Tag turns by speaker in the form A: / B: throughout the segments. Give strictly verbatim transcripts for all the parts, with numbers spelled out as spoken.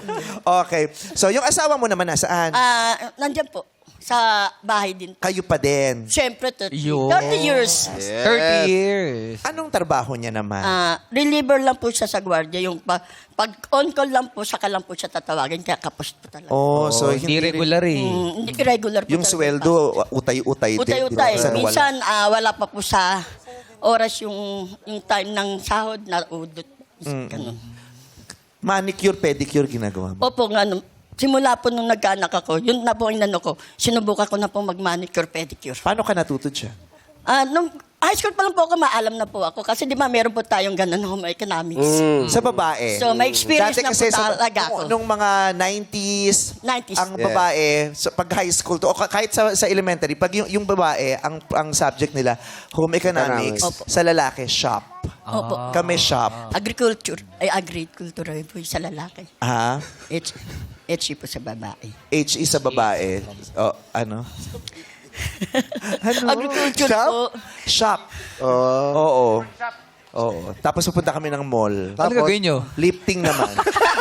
A: Okay. So, yung asawa mo naman nasaan?
B: Ah, nandyan po. Sa bahay din.
A: Kayo pa din.
B: Siyempre, thirty,
C: Yun.
B: thirty years.
C: thirty years.
A: Anong trabaho niya naman?
B: Ah, reliever lang po siya sa gwardiya. Yung pa, pag on-call lang po, saka lang po siya tatawagin. Kaya kapos po talaga.
A: oh, so
C: Hindi
A: hindi
C: regular eh.
B: Mm, hindi irregular po
A: Yung
B: talaga
A: sweldo, utay-utay din.
B: Utay-utay.
A: Minsan wala.
B: Minsan, ah, wala pa po sa oras yung, yung time ng sahod na udot. Ganun.
A: Manicure, pedicure ginagawa mo.
B: Opo, nga, nung- simula po nung nagkaanak ako, yun na po ang inano ko, sinubukan ko na po mag-manicure, pedicure.
A: Paano ka natutod siya?
B: Ah, nung high school pa lang po ako, maalam na po ako. Kasi di ba meron po tayong ganun home economics.
A: Sa babae.
B: So, may experience
A: Dati
B: na
A: kasi
B: po
A: sa-
B: talaga ako.
A: Nung mga nineties,
B: nineties.
A: ang babae, so pag high school to, o ka- kahit sa, sa elementary, pag yung, yung babae, ang, ang subject nila, home economics,
B: Opo.
A: sa lalaki, shop.
B: Opo.
A: Kami shop.
B: Agriculture. Ay, agriculture rin po yung sa lalaki.
A: Ha?
B: H, H po sa babae.
A: H E sa babae. O, ano? ano?
B: Agriculture
A: Shop?
B: po.
A: Shop. Oo. Oo. Tapos pupunta kami ng mall.
C: Ano gagawin nyo?
A: Lifting naman.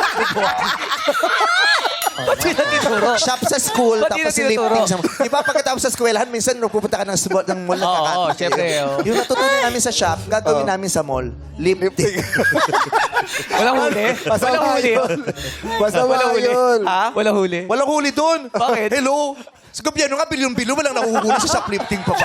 C: Ba't sila tinuro?
A: Shop sa school,
C: Ba't
A: tapos
C: yun tinuturo?
A: lifting sa... Di ba pagkatapos sa eskwelahan, minsan no, pupunta ka ng, sbo- ng mall na
C: Oo,
A: kakatid.
C: oo, syempre, oo.
A: Yung natutunan namin sa shop, gagawin namin sa mall. Lifting.
C: Walang huli? Walang huli?
D: Masama
C: Walang huli?
D: yun.
C: Ha? Walang huli?
A: Walang huli doon.
C: Bakit?
A: Hello? Sa gobyerno nga, bilyon-bilyon, walang nahuhuli sa shoplifting pa ba?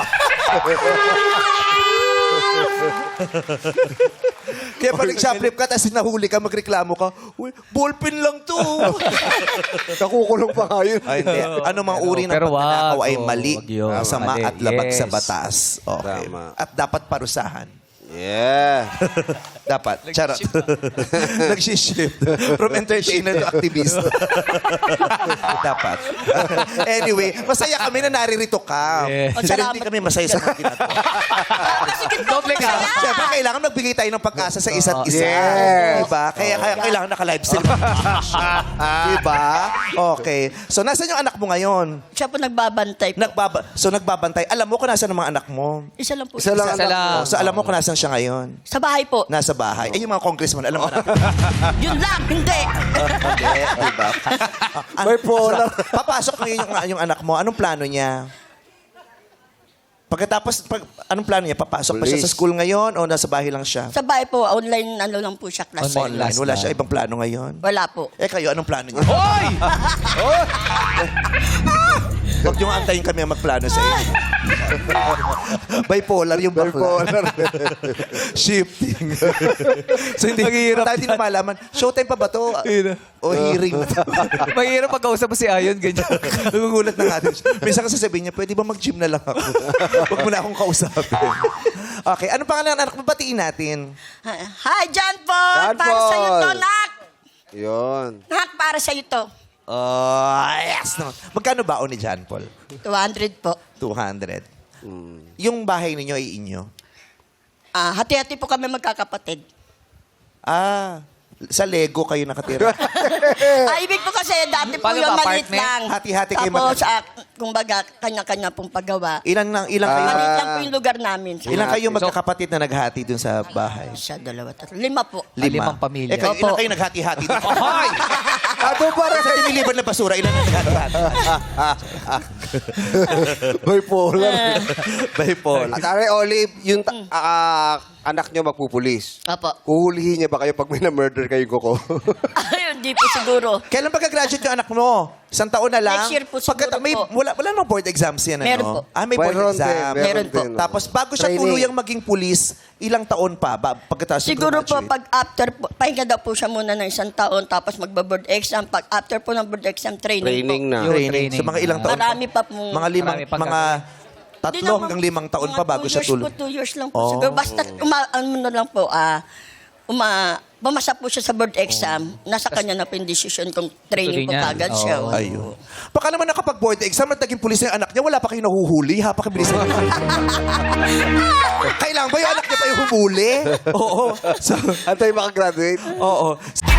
A: Kaya pag nag-shoplift ka, tapos nahuli ka, magreklamo ka, uy, ballpen lang to.
D: Nakukulong pa nga yun.
A: Ay, hindi. Ano mang uri ng
C: pero wag,
A: pagnanakaw ay
C: oh,
A: mali,
C: wag yun.
A: masama
C: Mali.
A: at labag
C: Yes.
A: sa batas. Okay.
D: Tama.
A: At dapat parusahan.
D: Yeah.
A: Dapat. Charot. Nag-shift. From entertainer to activist. Dapat. Anyway, masaya kami na naririto ka.
C: Yeah.
A: Pero hindi kami masaya sa mga ginagawa.
C: Doble ka.
A: Siyempre, kailangan magbigay tayo ng pag-asa sa isa't isa.
D: Yes.
A: Diba? Kaya, kaya kailangan naka-live stream. Diba? Okay. So, nasan yung anak mo ngayon?
B: Siya po nagbabantay po.
A: Nagbaba so, nagbabantay. Alam mo kung nasan ang mga anak mo?
B: Isa lang po.
D: Isa lang.
C: Isa lang.
A: So, alam mo kung nasan siya ngayon?
B: Sa bahay po.
A: Nasa bahay. Eh, yung mga congressman, alam mo na.
B: Yun lang, hindi.
A: Hindi, diba?
D: May polar.
A: Papasok ngayon yung, yung anak mo. Anong plano niya? Pagkatapos, pag, anong plano niya? Papasok pa siya sa
D: Police.
A: school ngayon o nasa bahay lang siya?
B: Sa bahay po, online ano lang po siya, class.
C: Online.
A: Online.
C: Last
A: Wala
C: na.
A: siya ibang plano ngayon?
B: Wala po.
A: Eh, kayo, anong plano niya?
C: Hoy!
A: Huwag yung antayin kami ang magplano sa inyo. Bipolar yung bakla.
D: Bipolar.
A: Shifting. so, hindi,
C: Maghihirap
A: tayo din malaman, showtime pa ba to? O hearing na to?
C: Mahirap pagkausap mo si Ayon, ganyan.
A: Nagugulat na nga din siya. Minsan kasi sabihin niya, pwede ba mag-gym na lang ako? Huwag mo na akong kausapin. Okay, anong pangalan ng anak mo? Batiin natin.
B: Hi, John Paul!
D: John
B: Para
D: Paul.
B: sa iyo to, Nak!
D: Yun.
B: Nak, para sa iyo to.
A: Oh, yes. No. Magkano baon ni John Paul?
B: two hundred po.
A: two hundred. Yung bahay ninyo ay inyo?
B: Ah, hati-hati po kami magkakapatid.
A: Ah, sa Lego kayo nakatira.
B: ah, ibig po kasi dati po
C: Paano
B: yung
C: ba,
B: maliit
C: apartment?
B: lang.
A: Hati-hati kayo
B: Tapos,
A: mag-
B: ah, kumbaga, kanya-kanya pong paggawa.
A: Ilan nang ilang kayo?
B: Maliit lang po yung lugar namin.
A: Ilang kayo magkakapatid na naghati dun sa bahay?
B: Isa, dalawa, tatlo. Lima po.
C: Limang pamilya.
A: Eh, kayo,
B: Opo.
A: ilang kayo naghati-hati dun?
C: Hoy!
A: Ato para sa diniliban na basura, ilan na naghati-hati?
D: Bipolar.
A: Bipolar.
D: At Are Olive, yung ta- ah, anak nyo magpupulis.
B: Opo.
D: Uhulihin niya ba kayo pag may na-murder kayo koko?
B: Ayun, di po siguro.
A: Kailan pagka-graduate yung anak mo? Isang taon na lang?
B: Next year po siguro
A: Pagkata- may,
B: po.
A: Wala, wala namang board exams yan, ano?
B: Meron po.
A: Ah, may board
D: Meron din,
A: exam.
B: Meron po.
D: din.
A: Tapos bago siya
D: Training.
A: tuluyang maging pulis, ilang taon pa ba, pagkatapos niya
B: Siguro po,
A: graduate?
B: pag after po, pahinga daw po siya muna ng isang taon, tapos magba-board exam. Pag after po ng board exam, training,
D: Training
B: po.
D: na.
C: Yung
A: Training.
C: training.
A: So mga ilang taon
B: Marami
A: pa?
B: pa pong...
A: Mga limang,
C: Marami pa
A: mga
B: Hindi
A: tatlo
B: naman-
A: hanggang limang taon
B: mga
A: pa bago
B: two
A: siya
B: years
A: tulong.
B: po, two years lang po.
A: Oh.
B: Siguro, basta, uma, ano na lang po, ah, uma, bumasa po siya sa board exam, nasa kanya na po yung decision kung training po
C: Tuloy niya.
B: kagad siya.
C: Oo.
B: oh.
A: Ayun. Baka naman nakapag-board exam at naging pulis na yung anak niya, wala pa kayo nahuhuli, ha? Pakabilisan niyo. Kailangan ba yung anak niya pa yung humuli? Oo. So,
D: Antay makagraduate.
A: oo.